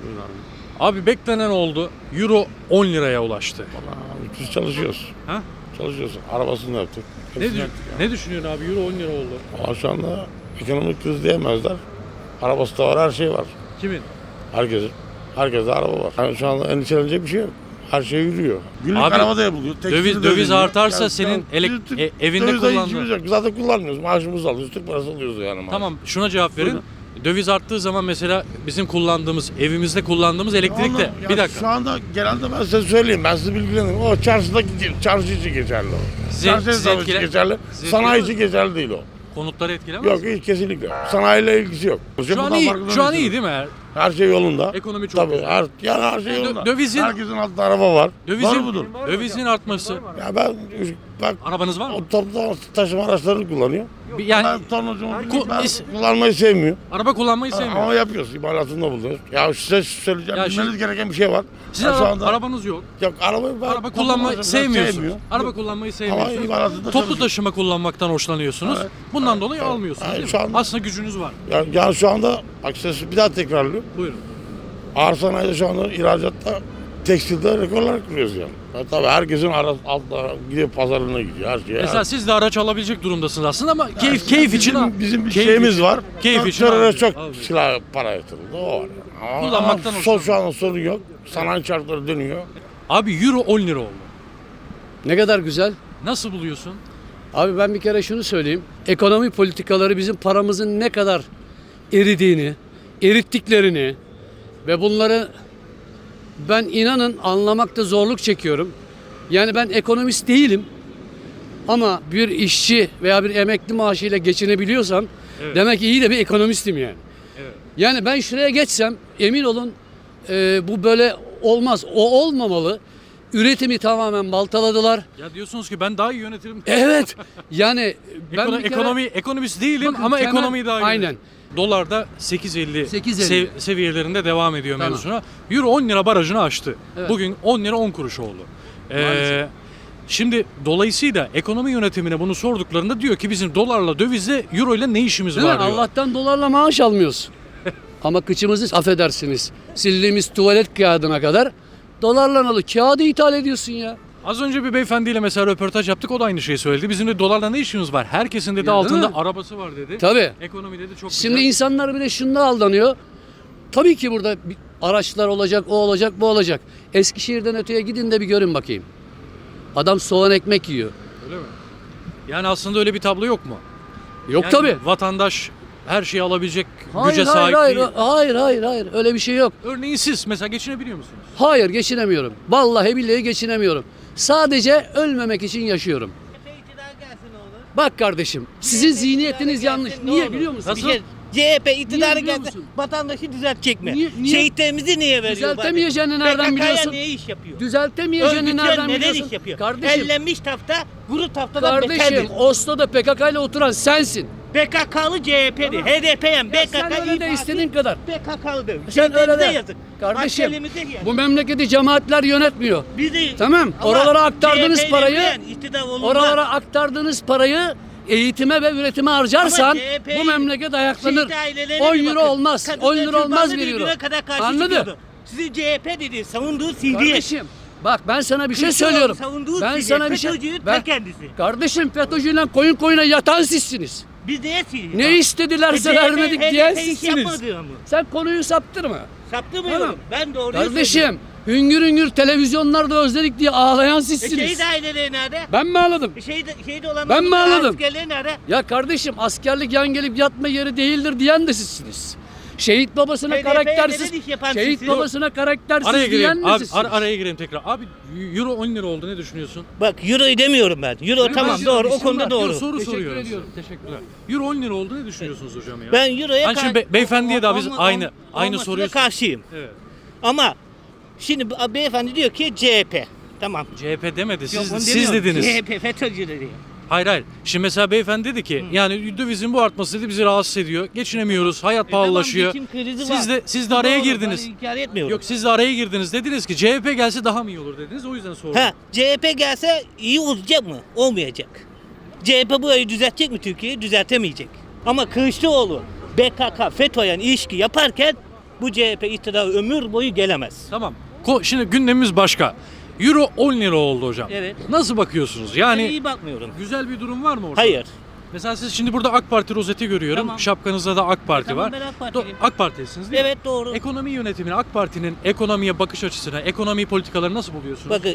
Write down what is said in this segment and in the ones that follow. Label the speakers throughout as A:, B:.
A: Abi beklenen oldu. Euro 10 liraya ulaştı.
B: Vallahi biz çalışıyoruz.
A: Ha?
B: Çalışıyoruz. Arabasını yaptık.
A: Ne,
B: Hepsini yaptık ya.
A: ne düşünüyorsun abi? Euro 10 lira oldu.
B: Ama şu anda ekonomik kriz diyemezler. Arabası da var, her şey var.
A: Kimin?
B: Herkesin. Herkeste araba var. Yani şu anda endişelenecek bir şey yok. Her şey yürüyor. Günlük
A: Abi,
B: araba da yapılıyor.
A: Döviz artarsa senin evinde
B: dövizde
A: kullandığın...
B: işimiz yok. Zaten kullanmıyoruz. Maaşımızı alıyoruz. Türk parası alıyoruz yani. Maaş.
A: Tamam, şuna cevap verin.
B: Buyurun.
A: Döviz arttığı zaman mesela bizim kullandığımız, evimizde kullandığımız elektrik de...
B: Ya
A: Bir dakika.
B: Şu anda genelde ben size söyleyeyim. Ben size bilgilendireyim. O çarşıdaki çarşı için geçerli o. Çarşı esnafı için geçerli. Sanayi için geçerli değil o.
A: Konutları etkilemez
B: Yok
A: mi?
B: hiç kesinlikle. Sanayiyle ilgisi yok.
A: Şu an iyi değil mi?
B: Her şey yolunda.
A: Ekonomi çok
B: Tabii
A: güzel.
B: her şey yolunda.
A: Dövizin-
B: Herkesin altında araba var. Var budur.
A: Dövizin artması.
B: Ya ben bak
A: Arabanız var mı?
B: o toplu taşıma araçlarını kullanıyor.
A: Yani
B: Ben tonlacım ben
A: is-
B: kullanmayı sevmiyor.
A: araba kullanmayı
B: Ama
A: sevmiyor.
B: yapıyoruz. İmalatında bulunuyoruz. Ya size söyleyeceğim.
A: Ya
B: Bilmeniz
A: şu-
B: gereken bir şey var.
A: Sizin
B: Ben şu anda
A: arabanız yok.
B: yok arabayı ben
A: Araba kullanmayı
B: toplu
A: sevmiyorsunuz.
B: sevmiyor.
A: Araba
B: Yok.
A: kullanmayı
B: Ama
A: sevmiyorsunuz.
B: imalatında
A: Toplu
B: çalışıyor.
A: taşıma kullanmaktan hoşlanıyorsunuz.
B: Evet.
A: Bundan dolayı almıyorsunuz
B: Evet,
A: değil
B: şu
A: mi?
B: anda-
A: Aslında gücünüz var.
B: Yani şu anda bak size bir daha tekrarlıyorum.
A: Buyurun.
B: Ağır sanayide şu anda ihracatta tekstilde rekorlar kırıyoruz yani. Tabii herkesin altına gidiyor pazarına gidiyor her şeye.
A: Mesela siz de araç alabilecek durumdasınız aslında ama keyif için
B: bizim bir
A: keyif
B: şeyimiz
A: için-
B: var.
A: Keyif için
B: Teröre
A: alıyoruz.
B: çok
A: Alıyoruz.
B: silah para yatırıldı o var. Yani. Ama
A: Kullanmaktan
B: şu anda sorun yok. Sanayi çarkları dönüyor.
A: Abi euro 10 lira oldu.
C: Ne kadar güzel.
A: Nasıl buluyorsun?
C: Abi ben bir kere şunu söyleyeyim. Ekonomi politikaları bizim paramızın ne kadar eridiğini, erittiklerini ve bunları ben inanın anlamakta zorluk çekiyorum. Yani ben ekonomist değilim. Ama bir işçi veya bir emekli maaşıyla geçinebiliyorsam demek ki iyi de bir ekonomistim yani.
A: Evet.
C: Yani ben şuraya geçsem emin olun bu böyle olmaz. O olmamalı. Üretimi tamamen baltaladılar.
A: Ya diyorsunuz ki ben daha iyi yönetirim.
C: Evet. Yani ben bir kere-
A: Ekonomist değilim
C: Bakın
A: ama
C: temel-
A: ekonomiyi daha iyi
C: Aynen.
A: yönetirim. Dolar da 8.50
C: 8.50
A: seviyelerinde devam ediyor
C: Tamam.
A: mevzusuna. Euro 10 lira barajını aştı.
C: Evet.
A: Bugün 10 lira 10 kuruş oldu.
C: Maalesef.
A: Şimdi dolayısıyla ekonomi yönetimine bunu sorduklarında diyor ki bizim dolarla dövizle euro ile ne işimiz
C: Değil mi?
A: var diyor.
C: Allah'tan dolarla maaş almıyoruz. Ama kıçımızı affedersiniz. Sildiğimiz tuvalet kağıdına kadar dolarla alıp kağıdı ithal ediyorsun ya.
A: Az önce bir beyefendiyle mesela röportaj yaptık, o da aynı şeyi söyledi. Bizim de dolarla ne işimiz var? Herkesin dedi
C: Ya, değil
A: altında
C: mi?
A: arabası var dedi.
C: Tabii.
A: Ekonomi dedi çok
C: Şimdi
A: güzel.
C: insanlar bile şunda aldanıyor. Tabii ki burada araçlar olacak, o olacak, bu olacak. Eskişehir'den öteye gidin de bir görün bakayım. Adam soğan ekmek yiyor.
A: Öyle mi? Yani aslında öyle bir tablo yok mu?
C: Yok
A: Yani
C: tabii.
A: Vatandaş her şeyi alabilecek
C: Hayır,
A: güce
C: hayır,
A: sahip
C: hayır,
A: değil.
C: hayır. Öyle bir şey yok.
A: Örneğin siz mesela geçinebiliyor musunuz?
C: Hayır, geçinemiyorum. Vallahi billahi geçinemiyorum. Sadece ölmemek için yaşıyorum. Bak kardeşim, sizin zihniyetiniz yanlış. Niye biliyor musun?
A: Nasıl?
D: CHP iktidarı
C: Niye biliyor
D: gelse
C: musun?
D: vatandaşı düzeltecek mi?
C: Niye?
D: Şehitlerimizi niye veriyor?
C: Düzeltemeyeceğini nereden biliyorsun?
D: niye iş yapıyor?
C: Düzeltemeyeceğini
D: Örgütler
C: nereden
D: neden
C: biliyorsun?
D: iş yapıyor?
C: Kardeşim,
D: Ellenmiş tafta, kuru taftadan
C: kardeşim
D: beterdir.
C: Oslo'da PKK ile oturan sensin.
D: PKK'lı CHP'di, HDP'yen,
C: Ya
D: BKK
C: sen öyle de istediğin kadar.
D: PKK'lıdır.
C: Sen öyle de.
D: yazık.
C: Kardeşim,
D: Askerimize yazık.
C: bu memleketi cemaatler yönetmiyor.
D: Bizi,
C: Tamam,
D: Ama
C: oralara aktardığınız
D: CHP 'yle
C: parayı,
D: bilen iktidar olunmaz.
C: oralara aktardığınız parayı eğitime ve üretime harcarsan
D: Ama CHP 'yi
C: bu memleket ayaklanır.
D: şehit ailelerine
C: 10
D: bir
C: euro
D: bakın.
C: olmaz.
D: Kadınlar
C: 10 euro olmaz
D: türbanlı
C: 1 euro.
D: birbirine kadar karşı
C: Anladın?
D: çıkıyordu. Sizi CHP dedi, savunduğu CD.
C: Kardeşim bak ben sana bir şey
D: Kılıçdaroğlu
C: söylüyorum.
D: savunduğu
C: Ben
D: CD,
C: sana bir şey
D: FETÖ'cünün ta
C: ben,
D: kendisi.
C: kardeşim FETÖ'cüyle koyun koyuna yatan sizsiniz.
D: Biz neye CD?
C: Ne istedilerse vermedik diyen sizsiniz.
D: yapmadı mı?
C: Sen konuyu saptırma.
D: Saptırmıyorum.
C: Tamam.
D: Ben doğruyu söylüyorum.
C: Kardeşim hüngür hüngür televizyonlarda özledik diye ağlayan sizsiniz.
D: Şehit aileleri nerede?
C: Ben mi ağladım?
D: Şehit olanların
C: Ben mi ağladım?
D: askerleri nerede?
C: Ya kardeşim askerlik yan gelip yatma yeri değildir diyen de sizsiniz. Şehit babasına
D: HDP'ye
C: karaktersiz,
D: neden iş yapan
C: şehit
D: sizsiniz?
C: babasına karaktersiz
A: Araya
C: diyen
A: gireyim.
C: de
A: Abi,
C: sizsiniz.
A: araya gireyim tekrar. Abi euro 10 lira oldu, ne düşünüyorsun?
D: Bak euroyu demiyorum ben. Euro
C: Ben
D: tamam
C: şuna
D: doğru
C: bir
D: o
C: şey
D: konuda
C: var.
D: doğru.
A: Soru
C: Teşekkür
A: soruyorum.
C: ediyorum.
A: Teşekkürler. Euro 10 lira oldu, ne düşünüyorsunuz hocam ya?
D: Ben euroya
A: Hani şimdi beyefendiye de biz aynı
D: olmasına
A: soruyu
D: karşıyım.
A: Evet.
D: Ama şimdi beyefendi diyor ki CHP. Tamam.
A: CHP demedi.
D: Yok, onu
A: Siz
D: demiyorum.
A: dediniz.
D: CHP FETÖ'cüleri diyor.
A: Hayır. Şimdi mesela beyefendi dedi ki yani dövizin bu artması dedi bizi rahatsız ediyor. Geçinemiyoruz. Hayat pahalılaşıyor.
D: Tamam, geçim krizi var.
A: Siz de araya
D: Doğru,
A: girdiniz.
D: Ben inkar etmiyorum.
A: Yok, siz de araya girdiniz. Dediniz ki CHP gelse daha mı iyi olur dediniz. O yüzden sordum.
D: Ha, CHP gelse iyi olacak mı? Olmayacak. CHP burayı düzeltecek mi Türkiye'yi? Düzeltemeyecek. Ama Kılıçdaroğlu BKK, FETÖ'yle ilişki yaparken Bu CHP iktidar ömür boyu gelemez.
A: Tamam. Şimdi gündemimiz başka. Euro 10 lira oldu hocam.
D: Evet.
A: Nasıl bakıyorsunuz?
D: Ben
A: Yani
D: iyi bakmıyorum.
A: güzel bir durum var mı orada?
D: Hayır.
A: Mesela siz şimdi burada AK Parti rozeti görüyorum.
D: Tamam.
A: Şapkanızda da AK Parti
D: Tamam,
A: var.
D: ben AK Partiliyim.
A: AK Parti'lisiniz değil mi?
D: Evet, doğru.
A: Ekonomi yönetimini, AK Parti'nin ekonomiye bakış açısına, ekonomi politikaları nasıl buluyorsunuz?
D: Bakın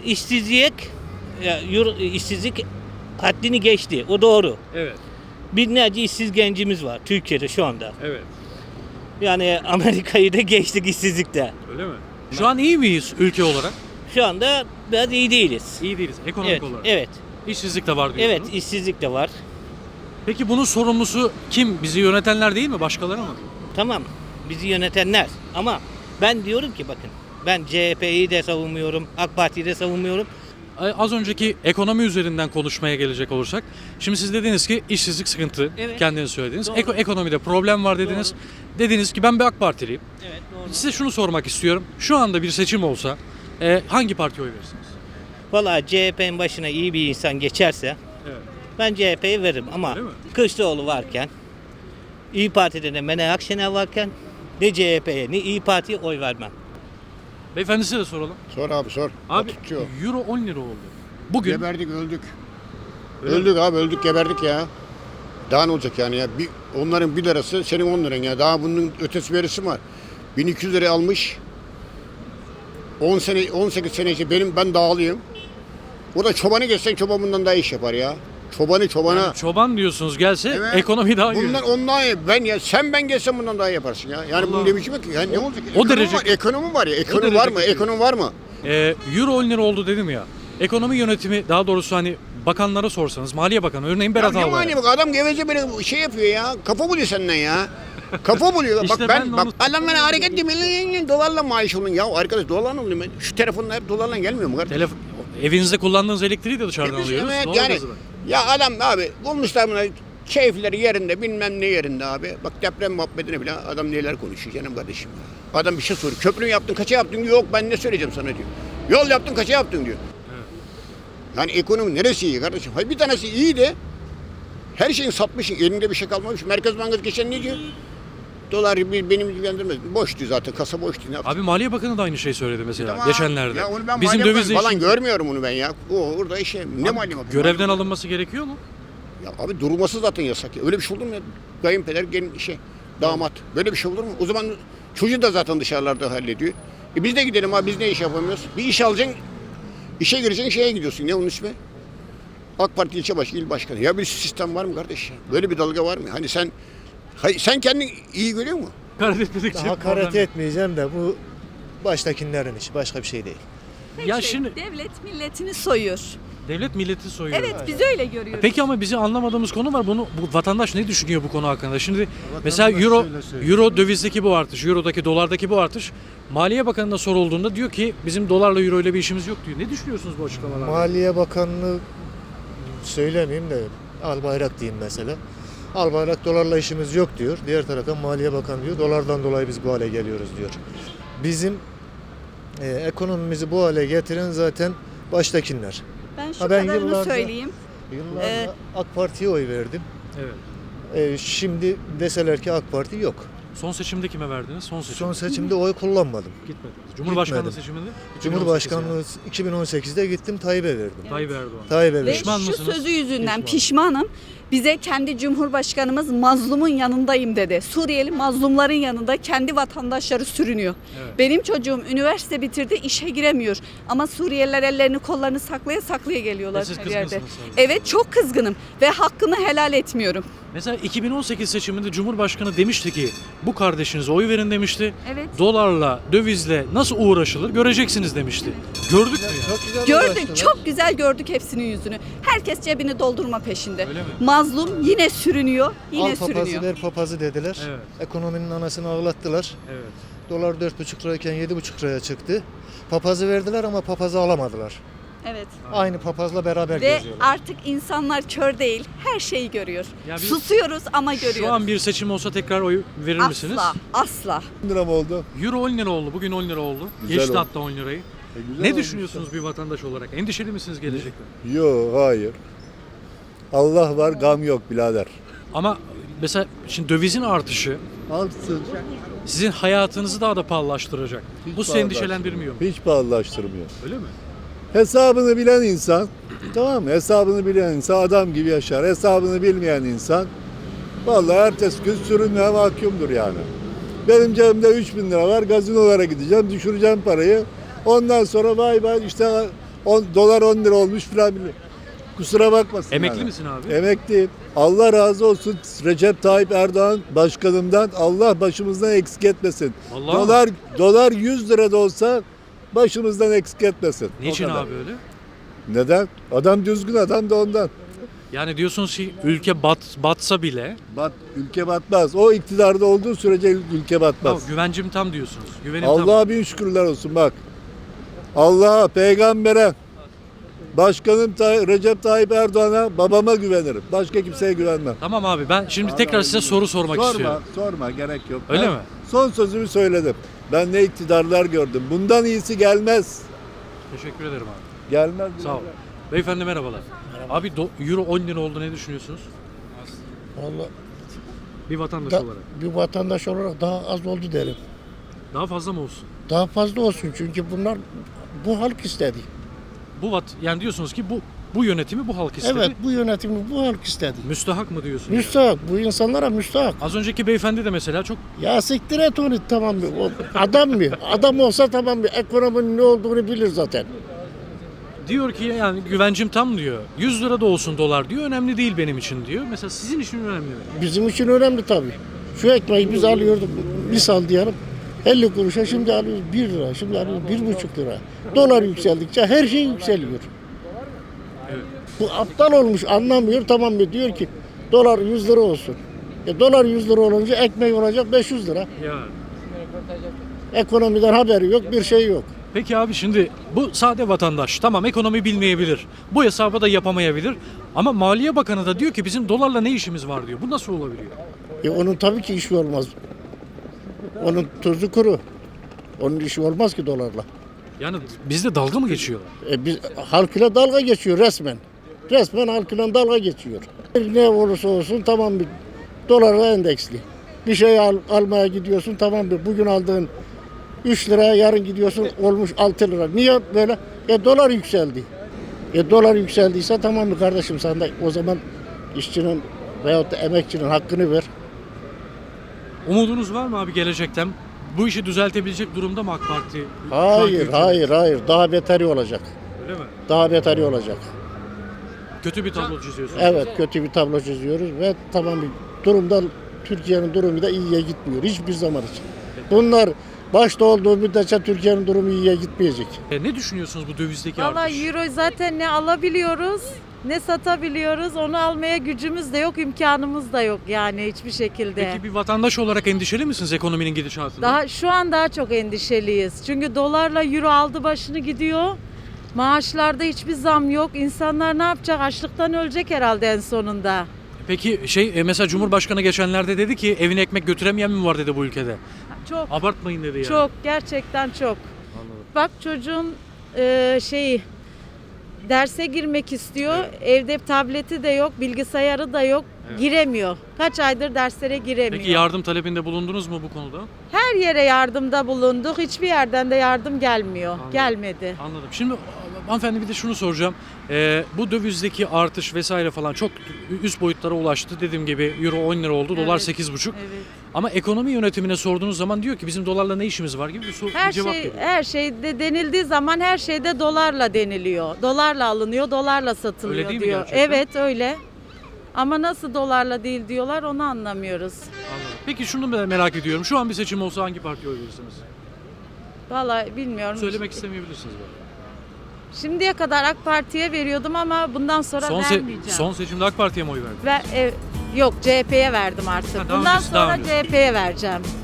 D: işsizlik haddini geçti. O doğru.
A: Evet.
D: Binlerce işsiz gencimiz var Türkiye'de şu anda.
A: Evet.
D: Yani Amerika'yı da geçtik işsizlikte.
A: Öyle mi? Şu an iyi miyiz ülke olarak?
D: Şu anda biraz iyi değiliz.
A: İyi değiliz ekonomik
D: Evet,
A: olarak.
D: evet.
A: İşsizlik de var diyorsunuz.
D: Evet, işsizlik de var.
A: Peki bunun sorumlusu kim? Bizi yönetenler değil mi? Başkaları mı?
D: Tamam, bizi yönetenler. Ama ben diyorum ki bakın, ben CHP'yi de savunmuyorum, AK Parti'yi de savunmuyorum.
A: Az önceki ekonomi üzerinden konuşmaya gelecek olursak. Şimdi siz dediniz ki işsizlik sıkıntı.
D: Evet.
A: Kendiniz söylediniz.
D: Doğru.
A: Ekonomide problem var dediniz. Dediniz ki ben bir AK Partiliyim.
D: Evet, doğru.
A: Size şunu sormak istiyorum. Şu anda bir seçim olsa hangi partiye oy verirsiniz?
D: Vallahi CHP'nin başına iyi bir insan geçerse
A: Evet.
D: ben CHP'yi veririm ama
A: Öyle mi?
D: Kılıçdaroğlu varken, İyi Parti'de de Meral Akşener varken ne CHP'ye ne İyi Parti'ye oy vermem.
A: Beyefendi size de soralım.
E: Sor abi sor.
A: Abi
E: Tutuyor.
A: euro 10 lira oldu. Bugün
E: Geberdik öldük.
A: Öyle
E: öldük abi öldük geberdik ya. Daha ne olacak yani ya? Onların 1 lirası senin 10 liran ya. Daha bunun ötesi birisi var. 1200 liraya almış. 10 sene 18 sene işte ben dağılıyım. O da çobanı geçsen çoban bundan daha iş yapar ya. Çobana.
A: yani çoban diyorsunuz gelse
E: Evet.
A: ekonomi daha iyi.
E: Bundan ondan iyi. Ben gelsem bundan daha iyi yaparsın ya. Yani
A: Allah.
E: bunun ne biçim ki? Yani ne olacak?
A: o derece-
E: Ekonomi var ya. Ekonomi
A: derece
E: var mı?
A: kötü.
E: Ekonomi var mı?
A: Euro 10 lira oldu dedim ya. Ekonomi yönetimi daha doğrusu hani bakanlara sorsanız Maliye Bakanı örneğin Berat
E: Ya ne
A: Albayrak.
E: mani bak adam geveze böyle şey yapıyor ya. Kafa buluyor senden ya. Kafa buluyor.
A: İşte
E: bak
A: ben de
E: bak
A: onu-
E: adam bana hareket demeli dolarla maaş olun. Ya arkadaş dolarla oluyor. Şu telefonla hep dolarla gelmiyor mu kardeşim?
A: Evinizde kullandığınız elektriği de dışarıdan
E: Biz-
A: alıyoruz.
E: evet,
A: Doğalgazı
E: yani
A: da.
E: ya adam abi bulmuşlar buna keyifleri yerinde bilmem ne yerinde abi. Bak deprem muhabbetine bile adam neler konuşuyor canım kardeşim. Adam bir şey soruyor. Köprü yaptın kaça yaptın? Yok ben ne söyleyeceğim sana diyor. Yol yaptın kaça yaptın diyor. Yani ekonomi neresi iyi kardeşim? Hayır bir tanesi iyi de her şeyin satmışsın. Elinde bir şey kalmamış. Merkez Bankası geçen ne diyor? Dolar benim ilgilendirmez. Boştu zaten. Kasa boştu. Ne yaptın?
A: Abi Maliye Bakanı da aynı şey söyledi mesela
E: Tamam.
A: geçenlerde.
E: Ya onu ben
A: Bizim
E: Maliye
A: döviz
E: Bakanı falan görmüyorum onu ben ya. O orada işe ne maliye bakanı?
A: görevden alınması gerekiyor mu?
E: Ya abi durması zaten yasak ya. Öyle bir şey olur mu ya? Kayınpeder gelin damat. Böyle bir şey olur mu? O zaman çocuğu da zaten dışarılarda hallediyor. Biz de gidelim abi biz ne iş yapamıyoruz? Bir iş alacaksın. İşe gireceksin şeye gidiyorsun. Ne onun ismi? AK Parti ilçe başkanı, il başkanı. Ya bir sistem var mı kardeş ya? Böyle bir dalga var mı? Hani sen kendini iyi görüyor musun?
A: Hakaret etmedikçe
F: Hakaret
A: problem.
F: etmeyeceğim de bu baştakilerin işi, başka bir şey değil.
A: Ya şimdi
G: Devlet milletini soyuyor.
A: devlet milleti soyuyor.
G: Evet, biz öyle görüyoruz.
A: Peki ama bizim anlamadığımız konu var. Bu vatandaş ne düşünüyor bu konu hakkında? Şimdi mesela euro dövizdeki bu artış, eurodaki dolardaki bu artış Maliye Bakanı'na sorulduğunda diyor ki bizim dolarla euro ile bir işimiz yok diyor. Ne düşünüyorsunuz bu açıklamalardan?
F: Maliye Bakanlığı söylemeyeyim de Albayrak diyeyim mesela. Albayrak dolarla işimiz yok diyor. Diğer taraftan Maliye Bakanı diyor dolardan dolayı biz bu hale geliyoruz diyor. Bizim ekonomimizi bu hale getiren zaten baştakiler.
G: Ben şu
F: Ben
G: kadarını
F: yıllarca-
G: söyleyeyim.
F: Yıllarca AK Parti'ye oy verdim.
A: Evet.
F: Şimdi deseler ki AK Parti yok.
A: Son seçimde kime verdiniz? Son seçim.
F: Son seçimde oy kullanmadım.
A: Gitmediniz. Cumhurbaşkanlığı
F: Gitmedim.
A: seçiminde? 2018
F: Cumhurbaşkanlığı 2018'de gittim Tayyip'e verdim.
A: yani. Tayyip Erdoğan.
F: Tayyip'e
G: Ve
F: verdim.
A: Pişman
G: şu
A: mısınız?
G: sözü yüzünden
F: Pişman.
G: pişmanım. Bize kendi Cumhurbaşkanımız mazlumun yanındayım dedi. Suriyeli mazlumların yanında kendi vatandaşları sürünüyor.
A: Evet.
G: Benim çocuğum üniversite bitirdi, işe giremiyor. Ama Suriyeliler ellerini kollarını saklaya saklaya geliyorlar
A: Ve siz
G: her yerde.
A: kızgınsınız sadece.
G: Evet, çok kızgınım ve hakkını helal etmiyorum.
A: Mesela 2018 seçiminde Cumhurbaşkanı demişti ki bu kardeşinize oy verin demişti.
G: Evet.
A: Dolarla, dövizle nasıl uğraşılır göreceksiniz demişti. Gördük mü ya?
F: Çok güzel
G: Gördük,
F: uğraştılar.
G: çok güzel gördük hepsinin yüzünü. Herkes cebini doldurma peşinde.
A: Öyle mi?
G: Mazlum yine sürünüyor, yine
F: Al papazı
G: sürünüyor.
F: ver papazı dediler.
A: Evet.
F: Ekonominin anasını ağlattılar.
A: Evet.
F: Dolar 4,5 lirayken 7,5 liraya çıktı. Papazı verdiler ama papazı alamadılar.
G: Evet.
F: Aynı papazla beraber
G: Ve
F: geziyorlar.
G: artık insanlar kör değil, her şeyi görüyor.
A: Ya biz-
G: Susuyoruz ama görüyoruz.
A: Şu an bir seçim olsa tekrar oy verir misiniz?
G: Asla, asla.
H: lira mı oldu?
A: Euro 10 lira oldu. Bugün 10 lira oldu.
H: Güzel
A: Geçti
H: oldu.
A: hatta 10 lirayı.
H: Güzel
A: Ne
H: olmuş
A: düşünüyorsunuz bir vatandaş olarak? Endişeli misiniz gelecekte?
H: ya. Yok hayır. Allah var gam yok birader.
A: Ama mesela şimdi dövizin artışı
H: Artsın.
A: sizin hayatınızı daha da pahalılaştıracak.
H: Hiç
A: Bu seni endişelendirmiyor mu?
H: Hiç pahalılaştırmıyor.
A: Öyle mi?
H: Hesabını bilen insan, tamam mı? Hesabını bilen insan adam gibi yaşar. Hesabını bilmeyen insan vallahi ertesi gün sürünmeye mahkumdur yani. Benim cebimde 3.000 lira var. Gazinolara gideceğim, düşüreceğim parayı. Ondan sonra vay vay işte dolar 10 lira olmuş filan. Kusura bakmasın.
A: Emekli
H: yani.
A: misin abi?
H: Emekliyim. Allah razı olsun Recep Tayyip Erdoğan başkanımdan. Allah başımızdan eksik etmesin.
A: Allah.
H: Dolar 100 lira da olsa başımızdan eksik etmesin. O
A: Niçin
H: kadar.
A: abi öyle?
H: Neden? Adam düzgün adam da ondan.
A: Yani diyorsunuz ki ülke batsa bile
H: Ülke batmaz. O iktidarda olduğu sürece ülke batmaz.
A: tamam, güvencim tam diyorsunuz. Güvenim tam.
H: Allah'a bin şükürler olsun bak. Allah'a, peygambere, başkanım Recep Tayyip Erdoğan'a, babama güvenirim. Başka kimseye güvenmem.
A: Tamam abi ben şimdi tekrar size soru sormak istiyorum.
H: Sorma gerek yok.
A: Öyle
H: Ben
A: mi?
H: Son sözümü söyledim. Ben ne iktidarlar gördüm. Bundan iyisi gelmez.
A: Teşekkür ederim abi.
H: Gelmez.
A: Sağ ol. Beyefendi merhabalar. Abi euro 10 lira oldu, ne düşünüyorsunuz?
B: Vallahi
A: Bir vatandaş
B: da,
A: olarak.
B: bir vatandaş olarak daha az oldu derim.
A: Daha fazla mı olsun?
B: Daha fazla olsun çünkü bunlar bu halk istedi.
A: Yani diyorsunuz ki bu yönetimi bu halk istedi.
B: Evet, bu yönetimi bu halk istedi.
A: Müstahak mı diyorsun? yani?
B: Müstahak, bu insanlara müstahak.
A: Az önceki beyefendi de mesela çok
B: Ya siktir et onu, tamam mı? O adam mı? Adam olsa tamam mı? Ekonominin ne olduğunu bilir zaten.
A: diyor ki yani güvencim tam diyor. 100 lira da olsun dolar diyor. Önemli değil benim için diyor. Mesela sizin için önemli mi?
B: Bizim için önemli tabii. Şu ekmeği biz alıyorduk, misal diyelim 50 kuruşa, şimdi alıyoruz 1 lira, şimdi alıyoruz 1,5 lira. Dolar yükseldikçe her şey yükseliyor.
A: Evet.
B: Bu aptal olmuş, anlamıyor, tamam mı? Diyor ki dolar 100 lira olsun. Dolar 100 lira olunca ekmek olacak 500 lira.
A: Ya.
B: Ekonomiden haberi yok, bir şey yok.
A: Peki abi şimdi bu sade vatandaş tamam ekonomi bilmeyebilir. Bu hesabı da yapamayabilir. Ama Maliye Bakanı da diyor ki bizim dolarla ne işimiz var diyor. Bu nasıl olabiliyor?
B: Onun tabii ki işi olmaz. Onun tuzu kuru. Onun işi olmaz ki dolarla.
A: Yani bizde dalga mı geçiyorlar?
B: Biz halkıyla dalga geçiyor resmen. Resmen halkıyla dalga geçiyor. Ne olursa olsun tamam mı? Dolarla endeksli. Bir şey almaya gidiyorsun tamam mı? Bugün aldığın 3 liraya yarın gidiyorsun olmuş 6 lira. Niye böyle? Dolar yükseldi. Dolar yükseldiyse tamam mı kardeşim, sen de o zaman işçinin veyahut da emekçinin hakkını ver.
A: Umudunuz var mı abi gelecekten? Bu işi düzeltebilecek durumda mı AK Parti? şu anki
B: Hayır,
A: hükümet?
B: hayır. Daha beteri olacak.
A: Öyle mi?
B: Daha beteri olacak.
A: Kötü bir tablo çiziyorsunuz.
B: Evet, kötü bir tablo çiziyoruz ve tamam bir durumda, Türkiye'nin durumu da iyiye gitmiyor hiçbir zaman için. Bunlar başta olduğu müddetçe Türkiye'nin durumu iyiye gitmeyecek.
A: Ne düşünüyorsunuz bu dövizdeki
I: Valla
A: artış?
I: euro zaten ne alabiliyoruz ne satabiliyoruz. Onu almaya gücümüz de yok, imkanımız da yok yani hiçbir şekilde.
A: Peki bir vatandaş olarak endişeli misiniz ekonominin gidişatından?
I: Daha şu an daha çok endişeliyiz. Çünkü dolarla euro aldı başını gidiyor. Maaşlarda hiçbir zam yok. İnsanlar ne yapacak? Açlıktan ölecek herhalde en sonunda.
A: Peki mesela Cumhurbaşkanı geçenlerde dedi ki evine ekmek götüremeyen mi var dedi bu ülkede.
I: Çok,
A: Abartmayın dedi yani.
I: çok, gerçekten çok. Bak çocuğun derse girmek istiyor. Evde tableti de yok, bilgisayarı da yok. Giremiyor. Kaç aydır derslere giremiyor.
A: Peki yardım talebinde bulundunuz mu bu konuda?
I: Her yere yardımda bulunduk. Hiçbir yerden de yardım gelmiyor. Gelmedi.
A: Anladım. Şimdi hanımefendi bir de şunu soracağım. Bu dövizdeki artış vesaire falan çok üst boyutlara ulaştı. Dediğim gibi euro 10 lira oldu, dolar
I: Evet.
A: 8,5.
I: Evet.
A: Ama ekonomi yönetimine sorduğunuz zaman diyor ki bizim dolarla ne işimiz var gibi bir
I: Her
A: cevap
I: şey
A: geliyor.
I: her şeyde denildiği zaman her şeyde dolarla deniliyor. Dolarla alınıyor, dolarla satılıyor
A: Öyle değil mi
I: diyor.
A: gerçekten?
I: Evet öyle. Ama nasıl dolarla değil diyorlar onu anlamıyoruz.
A: Anladım. Peki şunu da merak ediyorum. Şu an bir seçim olsa hangi partiye oy verirsiniz?
I: Vallahi bilmiyorum.
A: Söylemek istemeyebilirsiniz böyle.
I: Şimdiye kadar AK Parti'ye veriyordum ama bundan sonra vermeyeceğim.
A: Son seçimde AK Parti'ye mi oy verdin?
I: Yok CHP'ye verdim artık.
A: Ha, daha
I: Bundan
A: öncesi, daha
I: sonra
A: öncesi.
I: CHP'ye vereceğim.